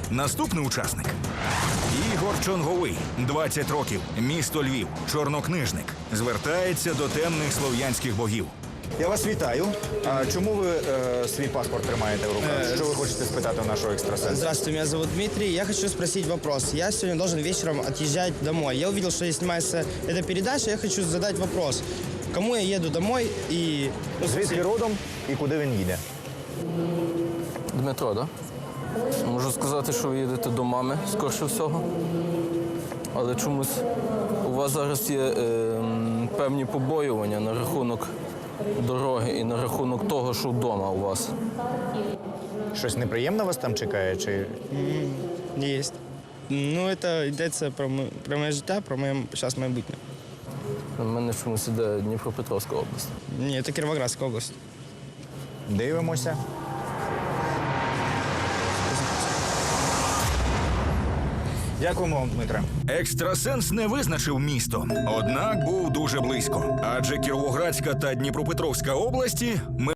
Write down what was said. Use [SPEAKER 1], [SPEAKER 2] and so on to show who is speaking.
[SPEAKER 1] Наступний учасник Ігор Чонговий, 20 років, місто Львів, чорнокнижник. Звертається до темних слов'янських богів.
[SPEAKER 2] Я вас вітаю. А чому ви свій паспорт тримаєте в руках? Що ви хочете спитати у нашого екстрасенса?
[SPEAKER 3] Здравствуйте, меня зовут Дмитрий. Я хочу спросить вопрос. Я сегодня должен вечером отъезжать домой. Я увидел, что снимается эта передача. Я хочу задать вопрос. Кому я еду домой и...
[SPEAKER 2] Звідки родом і куди він їде?
[SPEAKER 4] Дмитро, так? Да? Можу сказати, що ви їдете до мами, скорше всього. Але чомусь у вас зараз є певні побоювання на рахунок дороги і на рахунок того, що вдома у вас.
[SPEAKER 2] Щось неприємне вас там чекає? Чи
[SPEAKER 3] Есть. Ну, это йдеться про моє життя, про моє зараз майбутнє.
[SPEAKER 4] У мене чомусь іде Дніпропетровська область.
[SPEAKER 3] Ні, це Кіровоградська область.
[SPEAKER 2] дивимося? Дякуємо вам, Дмитре.
[SPEAKER 1] Екстрасенс не визначив місто, однак був дуже близько. Адже Кіровоградська та Дніпропетровська області